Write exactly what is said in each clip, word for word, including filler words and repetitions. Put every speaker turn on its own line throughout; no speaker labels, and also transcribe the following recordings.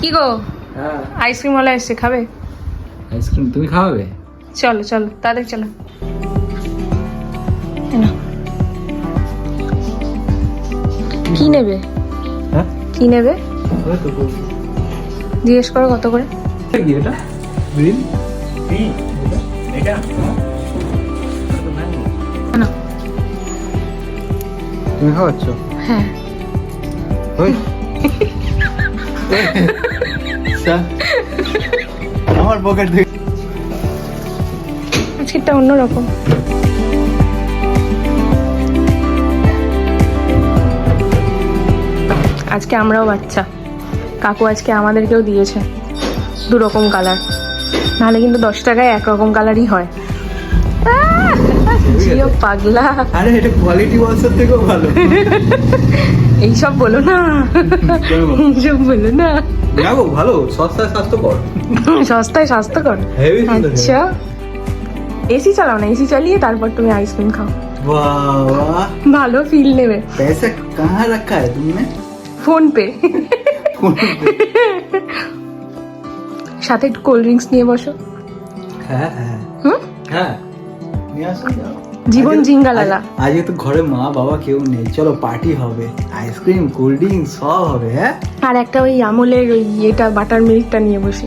কি গো?
হ্যাঁ
ice cream OLA এসছে, খাবে?
আইসক্রিম তুমি খাওয়াবে?
চলো চলো তাদের চলো। কি নেবে?
হ্যাঁ
কি নেবে
ওই তো বলছি।
জিজ্ঞেস করো কত করে।
এটা কি এটা? গ্রিন টি এটা? এটা
না
তুমি খাওয়াচ্ছ?
হ্যাঁ
ওই আমার পকেট থেকে
আজকেরটা অন্যরকম। আজকে আমরাও বাচ্চা, কাকু আজকে আমাদেরকেও দিয়েছে দু রকম কালার, নাহলে কিন্তু দশ টাকায় একরকম কালারই হয়। আহ, জিও পাগলা।
আরে এটা কোয়ালিটি ওয়ালসের থেকেও ভালো।
এইসব বলো না, এইসব বলো না।
দেখো ভালো, সস্তায় স্বাস্থ্যকর।
সস্তায় স্বাস্থ্যকর।
হেভি সুন্দর।
আচ্ছা এসি চালাও না, এসি চালিয়ে তারপর তুমি আইসক্রিম খাও,
वाह वाह
ভালো ফিল নেবে।
पैसा कहाँ रखा है तुमने?
Phone pay.
फोन पे।
সাথে একটু কোল্ড ড্রিঙ্কস নিয়ে বসো।
হ্যাঁ হ্যাঁ
হুম
হ্যাঁ নিয়ে আসো যাও।
জীবন
আজকে-
জিঙ্গালালা।
আজ- আজকে তো ঘরে মা বাবা কেউ নেই, চলো পার্টি হবে, আইসক্রিম কোল্ড ড্রিঙ্ক সব হবে। হ্যাঁ
আর একটা ওই আমলের ওই ইয়েটা বাটার মিল্কটা নিয়ে বসি।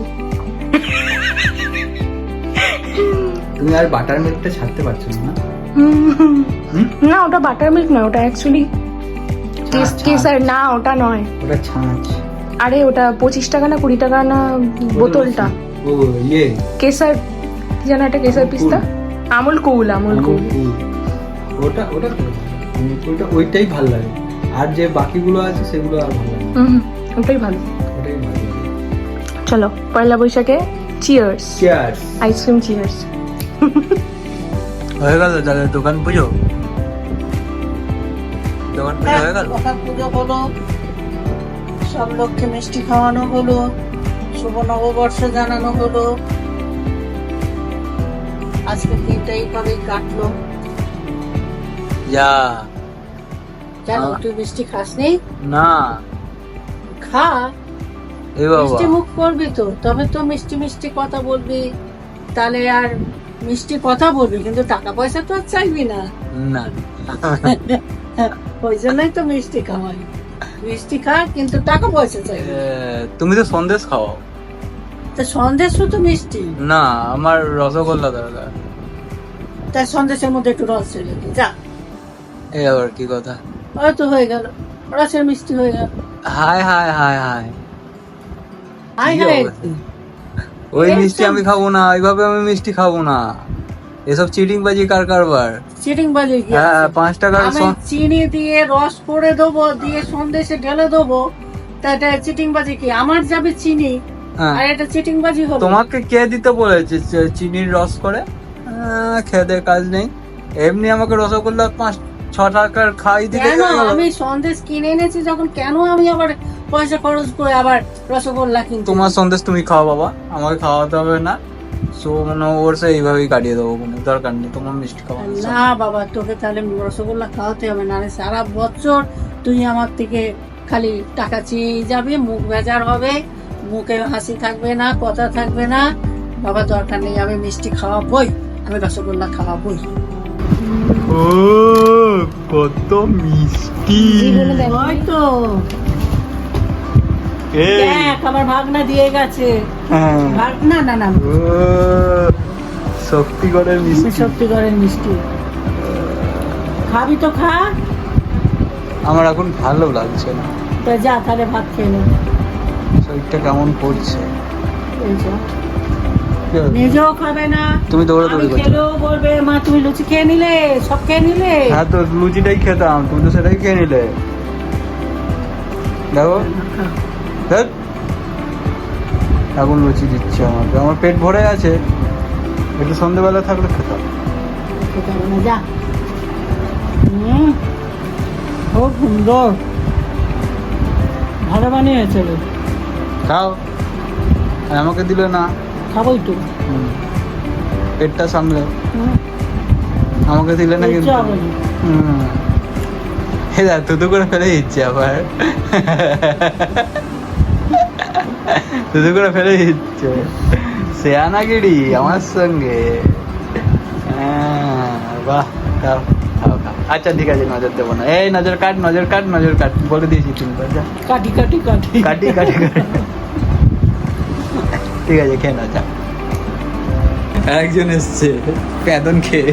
তুমি আর বাটার মিল্কটা ছাড়তে পারছো না?
হুম,
হুম?
না ওটা বাটার মিল্ক না, ওটা অ্যাকচুয়ালি
ছাঁচ,
কেসার। না ওটা নয়,
ওটা ছাঁচ।
আরে ওটা পঁচিশ টাকা না কুড়ি টাকা না বোতলটা।
ও ইয়ে
কেসার কি জানো, একটা কেসার পিস্তা, আমুল কুল, আমুল কুল।
কুল। ওটা ওটা তো আমুল কুলটা ওইটাই ভালো লাগে, আর যে বাকিগুলো আছে সেগুলো আর ভালো লাগে না।
হুম ওটাই ভালো।
ওটাই ভালো লাগে।
চলো পয়লা বৈশাখে চিয়ার্স,
চিয়ার্স।
Ice cream cheers.
হয়ে গেল তাহলে দোকান পুজো? দোকান পুজো হয়ে গেল?
দোকান পুজো হলো, সব লোককে মিষ্টি খাওয়ানো হলো, শুভ নববর্ষ জানানো হলো। আজকে দিনটা এইভাবেই কাটলো।
যা
কেন
আ-
তুই মিষ্টি খাসনি?
না
খা,
এ বাবা
মিষ্টি মুখ করবি তো, তবে তো মিষ্টি মিষ্টি কথা বলবি, তাহলে আর মিষ্টি কথা বলবি, কিন্তু টাকা পয়সা তো আর চাইবি না।
না
ওই জন্যই তো মিষ্টি খাওয়াই, মিষ্টি খা কিন্তু টাকা পয়সা চাইবি।
এ, তুমি তো সন্দেশ খাও।
তা সন্দেশ তো মিষ্টি,
না আমার রসগোল্লা দরকার।
তার সন্দেশের মধ্যে একটু রস ছেড়ে দে, যা।
এই আবার কি কথা?
ওই তো হয়ে গেল, রসের মিষ্টি হয়ে গেল।
Hi hi hi hi
hi
কি
হাই,
অবস্থা? ওই
এই
মিষ্টি
সব-
আমি খাবো না, ওইভাবে আমি মিষ্টি খাবো না। এসব চিটিং বাজি কার কারবার?
চিটিং বাজি কি
হ্যাঁ
আছে?
পাঁচ টাকার
আমি
সন-
চিনি দিয়ে রস করে দেবো, দিয়ে সন্দেশে ঢেলে দেবো, তা এটা চিটিং বাজি কি? আমার যাবে চিনি,
হ্যাঁ।
আর এটা চিটিং বাজি হবে?
তোমাকে কে দিতে বলেছে চি- চিনির রস করে? আহ, খেতে কাজ নেই, এমনি আমাকে রসগোল্লা পাঁচ ছ টাকার খাই দিতে
কেন আমি সন্দেশ কিনে এনেছি যখন, কেন আমি আবার পয়সা খরচ করে আবার রসগোল্লা কিনতে?
তোমার সন্দেশ তুমি খাও বাবা, আমাকে খাওয়াতে হবে না। সো মানে ওর সে এইভাবেই কাটিয়ে দেবো, কোনো দরকার নেই তোমার মিষ্টি খাওয়া।
না বাবা, তোকে তাহলে রসগোল্লা খাওয়াতে হবে, না সারা বছর তুই আমার থেকে খালি টাকা চেয়ে যাবে, মুখ বেজার হবে, মুখে হাসি থাকবে না, কথা থাকবে না। বাবা দরকার নেই, আমি মিষ্টি খাওয়াবই, আমি রসগোল্লা খাওয়াবই।
ও কত মিষ্টি!
ওই তো দেখ, আমার ভাগনা দিয়ে গেছে। ভাগ না না না
শক্তিগড়ের মিষ্টি।
শক্তিগড়ের মিষ্টি খাবি তো খা,
আমার এখন ভালো লাগছে না,
তা যা তাহলে ভাত খেয়ে নে।
শরীরটা কেমন করছে।
এই যা, নিজেও খাবে না,
তুমি দৌড়াদৌড়ি
আমি
করছো।
খেলেও বলবে মা তুমি লুচি খেয়ে নিলে, সব খেয়ে নিলে।
হ্যাঁ তো লুচিটাই খেতাম, তুমি তো সেটাই খেয়ে নিলে। দেখো ধ্যাৎ, এখন লুচি দিচ্ছে আমাকে, আমার পেট ভরে আছে, একটু সন্ধ্যেবেলা থাকলে খেতাম।
খেতে হবে না, যা। হুম, খুব সুন্দর, ভালো বানিয়েছে রে।
খাও, আর আমাকে দিলে না।
খাবোই তো।
হুম। পেটটা সামলে
হুম,
আমাকে দিলে না কিন্তু।
ইচ্ছা হবে না।
হুম। এই দেখ, থুতু করে ফেলে দিচ্ছে আবার। শুধু করে ফেলে দিচ্ছে শেয়ানাগিরি আমার সঙ্গে। হ্যাঁ, বাহ, খাও খাও খাও। আচ্ছা ঠিক আছে, নজর দেবো না। এই নজর কাট, নজর কাট, নজর কাট, বলে দিয়েছি তিনবার। যা
কাটি কাটি কাটি
কাটি কাটি কাটি। ঠিক আছে, খেয়ে না, যা। একজন এসছে প্যাদন খেয়ে,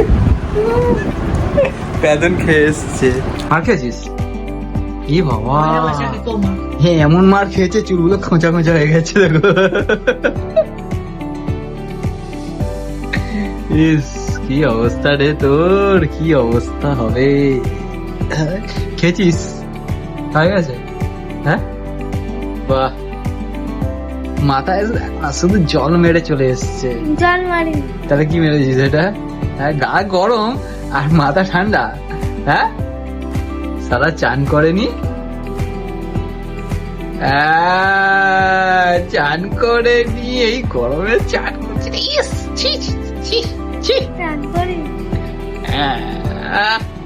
প্যাদন খেয়ে এসছে। আর খেয়েছিস? কি বাবা,
ভালোবাসাকে তোমার
হ্যাঁ এমন মার খেয়েছে চুলগুলো খোঁচা খোঁচা হয়ে গেছে দেখো। ইস কি অবস্থা রে তোর, কি অবস্থা হবে। খেয়েছিস? হয়ে গেছে? হ্যাঁ, বাহ, মাথায় না শুধু জল মেরে চলে এসছে।
জল মারি।
তাহলে কি মেরেছিস এটা? হ্যাঁ, গা গরম আর মাথা ঠান্ডা। হ্যাঁ, সারা চান করেনি। আহ, চান করেনি, এই গরমে চান করছে। ইস, ছি ছি ছি ছি।
চান করি।
আহ,